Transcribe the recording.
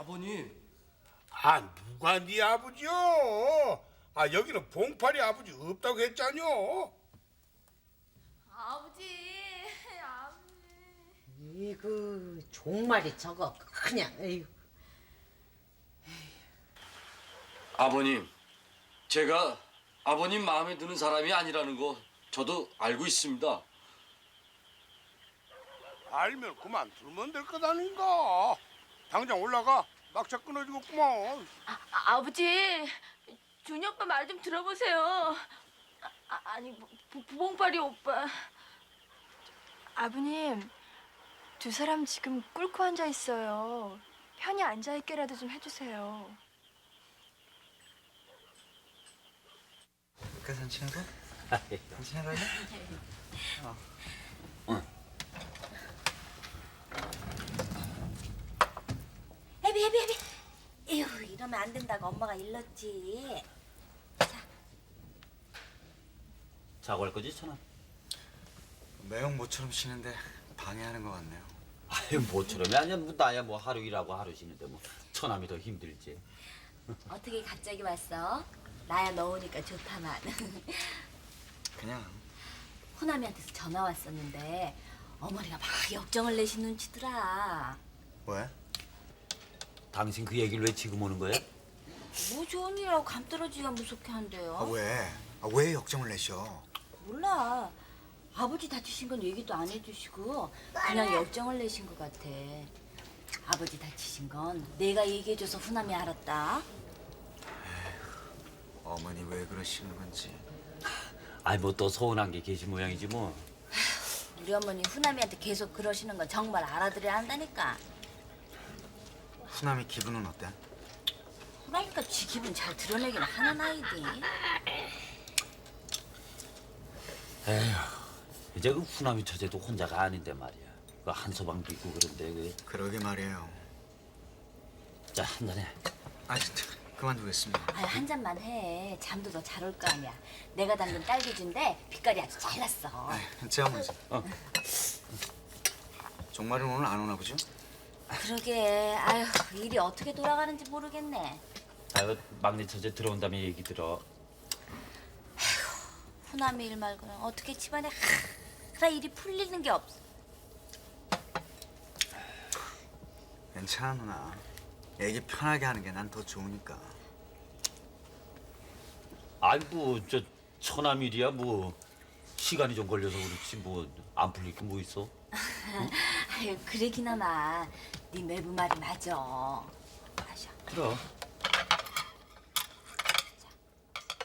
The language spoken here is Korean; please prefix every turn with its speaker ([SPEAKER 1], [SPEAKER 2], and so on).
[SPEAKER 1] 아버님.
[SPEAKER 2] 누가 네 아버지요? 여기는 봉팔이 아버지 없다고 했잖여.
[SPEAKER 3] 아버지.
[SPEAKER 4] 이거 종말이 저거 그냥 에휴.
[SPEAKER 1] 아버님, 제가 아버님 마음에 드는 사람이 아니라는 거 저도 알고 있습니다.
[SPEAKER 2] 알면 그만 두면 될 것 아닌가? 당장 올라가. 막차 끊어지겠구만.
[SPEAKER 3] 아버지. 준이 오빠 말 좀 들어보세요. 아니 봉파리 오빠.
[SPEAKER 5] 아버님, 두 사람 지금 꿇고 앉아 있어요. 편히 앉아 있게라도 좀 해주세요.
[SPEAKER 6] 그 산책하고? 산책하고?
[SPEAKER 7] 해비. 에휴, 이러면 안 된다고 엄마가 일렀지.
[SPEAKER 8] 자고 할 거지, 천아?
[SPEAKER 6] 매형 모처럼 쉬는데 방해하는 것 같네요.
[SPEAKER 8] 아유, 뭐처럼이 아니야. 나야 하루 일하고 하루 쉬는데 천함이 더 힘들지.
[SPEAKER 7] 어떻게 갑자기 왔어? 나야 너 오니까 좋다만.
[SPEAKER 6] 그냥
[SPEAKER 7] 호남이한테서 전화 왔었는데 어머니가 막 역정을 내신 눈치더라.
[SPEAKER 6] 왜?
[SPEAKER 8] 당신 그 얘기를 왜 지금 오는 거야?
[SPEAKER 7] 뭐 좋은 일이라고 감떨어지기가 무섭게 한대요.
[SPEAKER 6] 왜? 왜 역정을 내셔?
[SPEAKER 7] 몰라. 아버지 다치신 건 얘기도 안 해주시고 그냥 역정을 내신 것 같아. 아버지 다치신 건 내가 얘기해줘서 후남이 알았다.
[SPEAKER 6] 어머니 왜 그러시는 건지.
[SPEAKER 8] 아이, 또 서운한 게 계신 모양이지 뭐.
[SPEAKER 7] 우리 어머니 후남이한테 계속 그러시는 건 정말 알아들어야 한다니까.
[SPEAKER 6] 후남이 기분은 어때?
[SPEAKER 7] 그러니까 지 기분 잘 드러내긴 하는 아이디.
[SPEAKER 8] 에휴, 이제 그 후남이 처제도 혼자가 아닌데 말이야. 그 한소방도 있고 그런데
[SPEAKER 6] 그러게 말이에요.
[SPEAKER 8] 자, 한잔해.
[SPEAKER 6] 진짜 그만두겠습니다.
[SPEAKER 7] 아유, 한 잔만 해. 잠도 더 잘 올 거 아니야. 내가 담근 딸기주인데 빛깔이 아주 잘 났어.
[SPEAKER 6] 제가 먼저. 종말은 오늘 안 오나 보죠?
[SPEAKER 7] 그러게. 아유, 일이 어떻게 돌아가는지 모르겠네.
[SPEAKER 8] 아유, 막내 처제 들어온 다음에 얘기 들어.
[SPEAKER 7] 후남이 일 말고는 어떻게 집안에 하나 일이 풀리는 게 없어.
[SPEAKER 6] 괜찮아 누나. 얘기 편하게 하는 게 난 더 좋으니까.
[SPEAKER 8] 아이, 저 천함 일이야 시간이 좀 걸려서 그렇지 안 풀릴 게 뭐 있어?
[SPEAKER 7] 아유, 그러기나마 네 매부 말이 맞아. 마셔.
[SPEAKER 8] 그럼.